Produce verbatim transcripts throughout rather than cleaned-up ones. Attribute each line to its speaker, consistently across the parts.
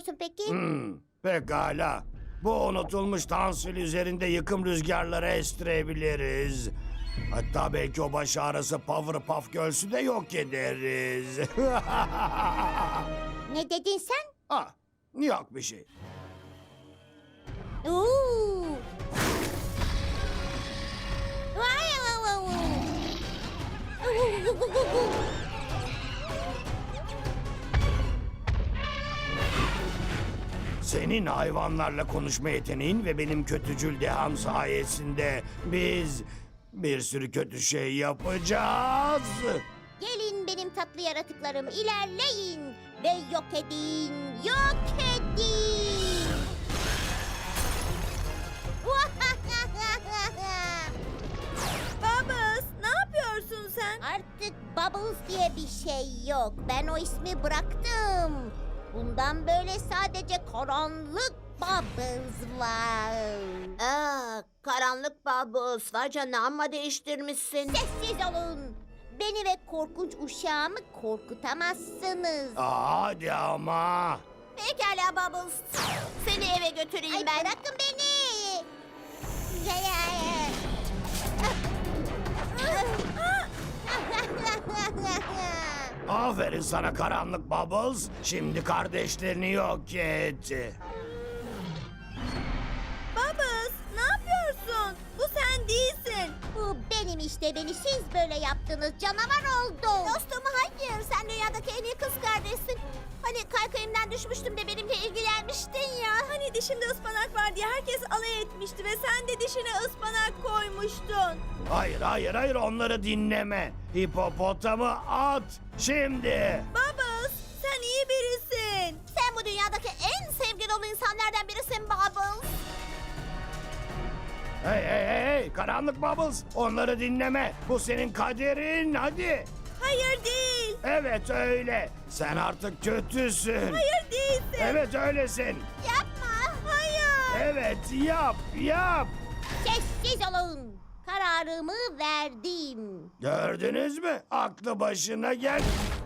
Speaker 1: düşünüyorsun peki?
Speaker 2: Hmm, pekala. Bu unutulmuş tansil üzerinde yıkım rüzgarları estirebiliriz. Hatta belki o baş ağrısı Powerpuff Girls'ü de yok ederiz.
Speaker 1: Ne dedin sen?
Speaker 2: Ha, yok bir şey.
Speaker 1: Oo. Vay vay vay vay.
Speaker 2: Senin hayvanlarla konuşma yeteneğin ve benim kötücül deham sayesinde biz bir sürü kötü şey yapacağız.
Speaker 1: Gelin benim tatlı yaratıklarım, ilerleyin ve yok edin, yok edin.
Speaker 3: Bubbles, ne yapıyorsun sen?
Speaker 1: Artık Bubbles diye bir şey yok. Ben o ismi bıraktım. Bundan böyle sadece karanlık Bubbles var.
Speaker 3: Aa, karanlık Bubbles. Vay canına, amma değiştirmişsin.
Speaker 1: Sessiz olun. Beni ve korkunç uşağımı korkutamazsınız.
Speaker 2: Aa, hadi ama.
Speaker 3: Pekala Bubbles. Seni eve götüreyim
Speaker 1: Ay
Speaker 3: ben.
Speaker 1: bırakın beni. Ya, ya, ya.
Speaker 2: Aferin sana karanlık Bubbles. Şimdi kardeşlerini yok et.
Speaker 3: Bubbles, ne yapıyorsun? Bu sen değilsin.
Speaker 1: Bu benim işte, beni siz böyle yaptınız, canavar oldum.
Speaker 3: Dostum hayır, sen dünyadaki en iyi kız kardeşsin. Hani kaykayımdan düşmüştüm de benimle ilgilenmiştin ya. Hani dişimde ıspanak var diye herkes alay etmişti ve sen de dişine ıspanak koymuştun.
Speaker 2: Hayır hayır hayır onları dinleme. Hipopotamı at şimdi.
Speaker 3: Bubbles, sen iyi birisin. Sen bu dünyadaki en sevgi dolu insanlardan birisin Bubbles.
Speaker 2: Hey hey hey hey karanlık Bubbles onları dinleme. Bu senin kaderin hadi.
Speaker 3: Hayır değil.
Speaker 2: Evet öyle. Sen artık kötüsün.
Speaker 3: Hayır değilsin.
Speaker 2: Evet öylesin.
Speaker 3: Yapma. Hayır.
Speaker 2: Evet yap yap.
Speaker 1: Sessiz olun. Kararımı verdim.
Speaker 2: Gördünüz mü? Aklı başına gel.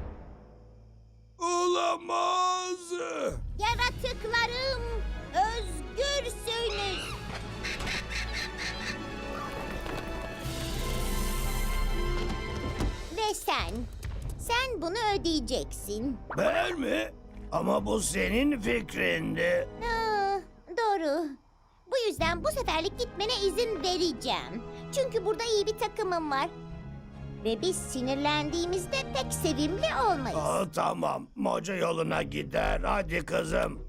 Speaker 2: Olamaz.
Speaker 1: Yaratıklarım, özgürsünüz. Ve sen, sen bunu ödeyeceksin.
Speaker 2: Ben mi? Ama bu senin fikrindi.
Speaker 1: Aa, doğru. Bu yüzden bu seferlik gitmene izin vereceğim. Çünkü burada iyi bir takımım var. Ve biz sinirlendiğimizde pek sevimli olmayız.
Speaker 2: Aa, tamam. Moca yoluna gider. Hadi kızım.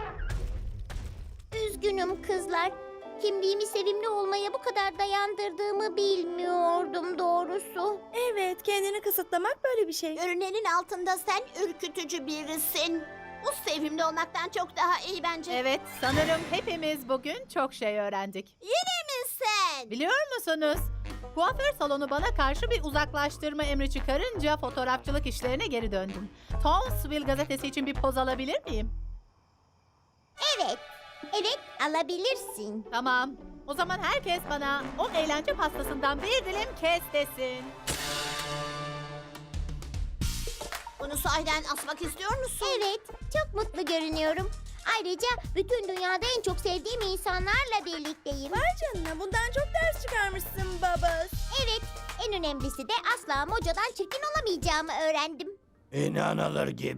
Speaker 1: Üzgünüm kızlar. Kimliğimi sevimli olmaya bu kadar dayandırdığımı bilmiyordum doğrusu.
Speaker 3: Evet, kendini kısıtlamak böyle bir şey. Görünenin altında sen ürkütücü birisin. Bu sevimli olmaktan çok daha iyi bence.
Speaker 4: Evet, sanırım hepimiz bugün çok şey öğrendik.
Speaker 3: Yine mi sen?
Speaker 4: Biliyor musunuz? Kuaför salonu bana karşı bir uzaklaştırma emri çıkarınca fotoğrafçılık işlerine geri döndüm. Townsville gazetesi için bir poz alabilir miyim?
Speaker 1: Evet, evet alabilirsin.
Speaker 4: Tamam. O zaman herkes bana o eğlence pastasından bir dilim kes desin.
Speaker 3: Bunu sahiden asmak istiyor musun?
Speaker 1: Evet, çok mutlu görünüyorum. Ayrıca bütün dünyada en çok sevdiğim insanlarla birlikteyim.
Speaker 3: Vay canına, bundan çok ders çıkarmışsın Bubbles.
Speaker 1: Evet, en önemlisi de asla mocadan çirkin olamayacağımı öğrendim.
Speaker 2: İnanılır gibi